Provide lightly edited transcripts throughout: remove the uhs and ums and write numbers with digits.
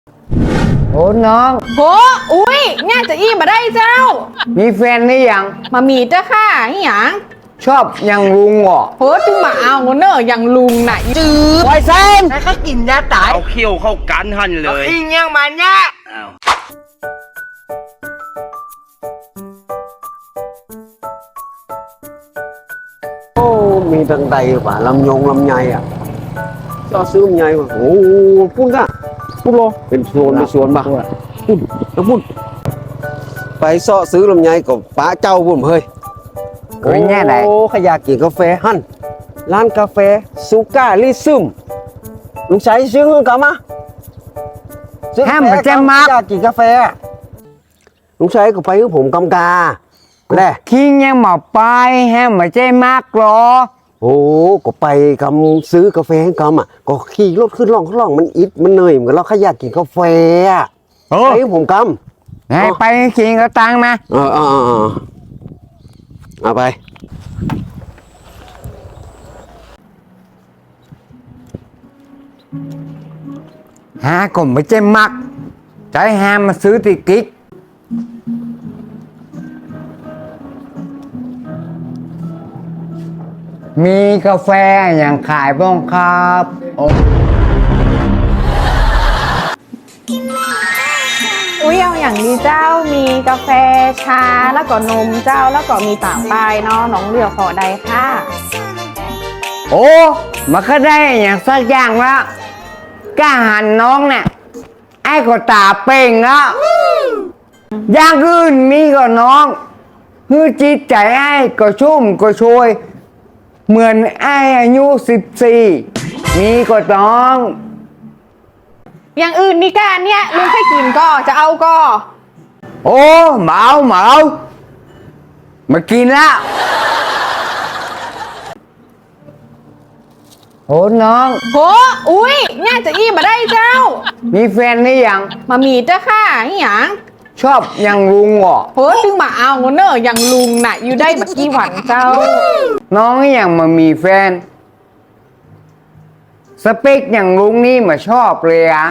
โอ้น้องโหอุ้ยง่ายจะอี้มาได้เจ้ามีแฟนหรือยังมามีเจ้าค่ะอหย่างชอบยังลุงเหรอโหจึงมาเอาเนอะอย่างลุงน่ะจืดไวเซนแล้วก็กินยาตายเอาเขี้ยวเข้ากันหันเลยอิงยังมันเนี่ยอ้าวโอ้มีตั้งใดป่ะลำยงลำไยอ่ะชอบซื้อลำไยป่ะโอ้พุ่นก่ะพุ่นโลเป็นสวนป่ะพุ่นแล้วพุ่นไปเสาะซื้อลำไยกับป้าเจ้าพุ่นเฮ้ยเคยแง่ไหนโอ้ขยากกินกาแฟหั่นร้านกาแฟซูก้าลิซึมลุงใช้ซื้อเงินกลับมาซื้อกาห้ามแฟมาแจ้งมากอยากกินกาแฟลุงใช้ก็ไปกับผมกำกาแหละคิงยังมาไปห้ามมาใจมากหรอโอ้ก็ไปกำซื้อกาแฟให้กำอ่ะก็ขี่รถขึ้นล่องมันอิดมันเหนื่อยเหมือนกันเราขยากกินกาแฟอ่ะโอ้ไปกับผมกไงไปคิงก็ตังมาำเอาไปหาก็ไม่ใจมักใจห้ามมาซื้อติกิกมีกาแฟอย่างขายบ้างครับโอ้อุ้ยเอาอย่างดีเจ้ามีกาแฟชาแล้วก็นมเจ้าแล้วก็มีต่างปลายเนาะน้องเลือกพอใดค่ะโอ้มันก็ได้อย่างสักอย่างแล้วกล้าหันน้องเนี่ยไอ้ก็ตาเป่งแล้วอย่างอื่นมีก็น้องฮือจิตใจไอ้ก็ชุ่มก็ช่วย เหมือนไอ้อายุ14มีก็น้องอย่างอื่นนี่การเนี่ยลุงให้กินก็จะเอาก็โอ้เหมามากินแล้วโอ้น้องโหอุ้ยง่ายจะอี้มาได้เจ้ามีแฟนหรือยังมามีเจ้าค่ะอหย่างชอบยังลุงเหรอโหจึงมาเอาเนอะอย่างลุงน่ะอยู่ได้มากี่วันเจ้าน้องยังมามีแฟน สเปคอย่างลุงนี่มาชอบเลยอะ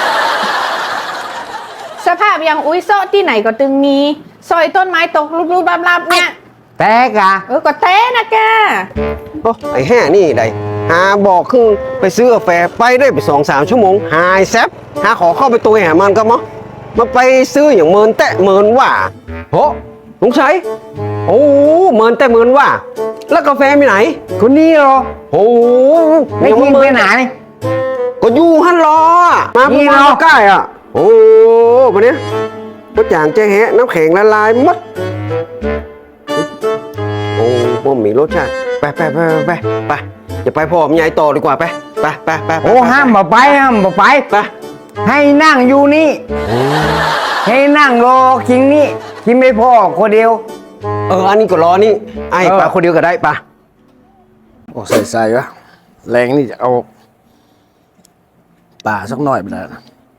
สภาพอย่างอุ้ยโซะที่ไหนก็ตึงมีซอยต้นไม้ตกรูปๆลับๆเนี่ยแต่กะก็เต้นะแกโอ้ไอ้แห่นี่ใดหาบอกคือไปซื้อกาแฟไปได้ไป2-3 ชั่วโมงหายแซบหาขอเข้าไปตัวหามันก็มั้งมาไปซื้ออย่างเมินแตะเมินว่าโหลุงชัยโอ้เมินแตะเมินว่า แล้วกาแฟมีไหนคนนี้เหรอโอ้ไม่กินไปไหนก็อยู่ฮั่นรออะมานี่เมื่อวานเหรอก็ใกล้อ่ะโอ้วันนี้ก็จางแจ้แฮะน้ำแข็งละลายหมดโอ้บ่มีรสชาติไปอย่าไปพ่อมยายต่อดีกว่าไปโอ้ห้ามมาไปไปให้นั่งอยู่นี่ ให้นั่งรอคิงนี่คิงไม่พอคนเดียวอันนี้ก็รอนี่ไอ้เออปลาคนเดียวก็ได้ปะโอ้ใส่วะแรงนี่จะเอาป่าสักหน่อยไปแล้ว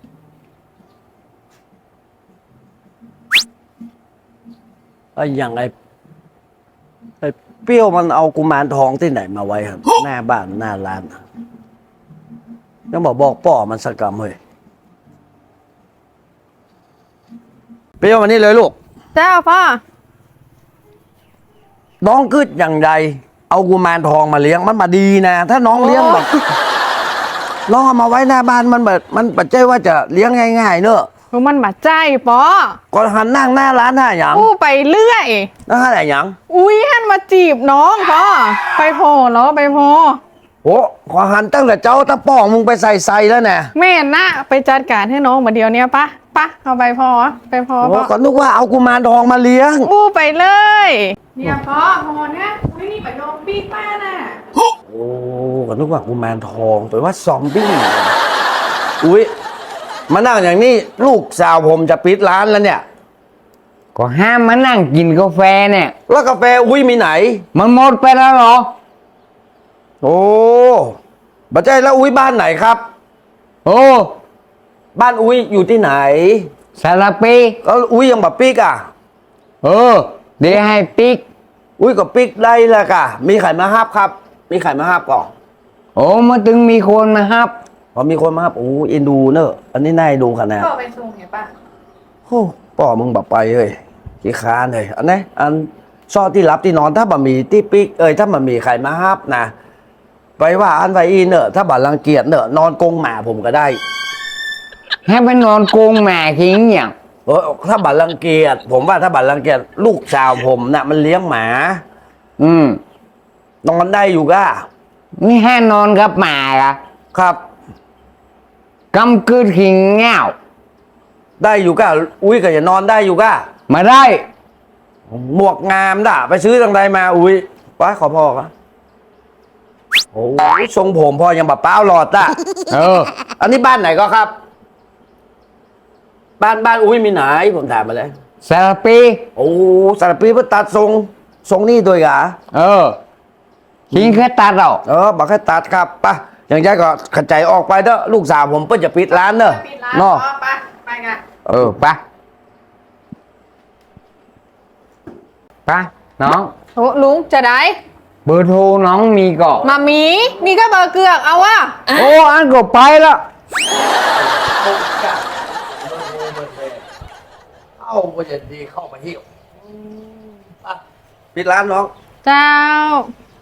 ไอ้อย่างไอ้เปรี้ยวมันเอากุมารทองที่ไหนมาไว้ครับ หน้าบ้านหน้าร้านยังบอกป่อมันสกรรมเฮ้ยเปรี้ยวมานี่เลยลูกเจ้าพ่อน้องกึดอย่างใดเอากุมารทองมาเลี้ยงมันมาดีนะ ถ้าน้องเลี้ยงแบบน้องเอามาไว้หน้าบ้านมันแบบมันปัจจัยว่าจะเลี้ยงง่ายๆเนอะมันมาใจปอก็หันนั่งหน้าร้านหน้าหยังอู้ไปเรื่อยหน้าหยังอุ้ยหันมาจีบน้องพ่อไปพอเนาะไปพอโอ้ขอหันตั้งแต่เจ้าตะป้องมึงไปใส่แล้วเนี่ยแม่นะไปจัดการให้น้องมาเดียวเนี้ยปะเอาไปพอไปพอโอ้พ่อก็นึกว่าเอากุมารทองมาเลี้ยงอู้ไปเลยเนี่ยพ่อเนี่ยอุ้ยนี่ไปโดนปีป้าน่ะโอ้ก็นึกว่ากุมารทองไปว่าซอมบี้อุ้ยมานั่งอย่างนี้ลูกสาวผมจะปิดร้านแล้วเนี่ยก็ห้ามมานั่งกินกาแฟเนี่ยแล้วกาแฟอุ้ยมีไหนมันหมดไปแล้วเหรอโอ้บัจใจแล้วอุ้ยบ้านไหนครับโอ้บ้านอุ้ยอยู่ที่ไหนสารปีแล้วอุ้ยยังแบบปิ๊กอ่ะเดี๋ยวให้ปิ๊กอุ้ยกับปิ๊กได้ละกะมีไข่มาฮับครับ มีไข่มาฮับก่อนโอ้มาถึงมีคนมาฮับพอมีคนมาครับโอ้เอ็นดูเนอะอันนี้น่าดูขนาดก็ไปส่งเห็นปะโอ้ป่อมึงแบบไปเลยขี้ค้านเลยอันนี้อันซอที่รับที่นอนถ้าบะหมี่ที่ปิ๊กถ้าบะหมี่ไข่มาฮับนะไปว่าอันไว้อีเนอะถ้าบัตรรังเกียจเนอะนอนกรงหมาผมก็ได้ให้ไปนอนกรงแม่ทิ้งอย่างถ้าบัตรรังเกียจผมว่าถ้าบัตรรังเกียจลูกสาวผมน่ะมันเลี้ยงหมาอืมนอนได้อยู่ก้านี่ให้นอนกับหมาละครับกำกืดขิงเง่าได้อยู่ก้าอุ้ยก็จะนอนได้อยู่ก้ามาได้หมวกงามด่ะไปซื้อทางใดมาอุ้ยไปขอพ่อครับโอ้ยทรงผมพ่อยังแบบเป้าหลอดอ่ะเอออันนี้บ้านไหนก็ครับ บ้านอุ้ยมีไหนผมถามมาเลยสารปีโอ้สารพีเพื่อตัดทรงนี่ด้วยกะเออขิงแค่ตัดเอาบอกให้ตัดครับป่ะอย่างใจก็ขจายออกไปเด้อลูกสาวผมเพิ่งจะปิดร้านเด้อปิดร้านเนาะไปกันเออไปไปน้องโอ้ลุงจะได้เบอร์โทรน้องมีก่อนมามีมีก็เบอร์เกือกเอาวะโอ้อันก็ไปแล้วเอาไปจะดีเข้ามาหิ้วปิดร้านน้องเจ้า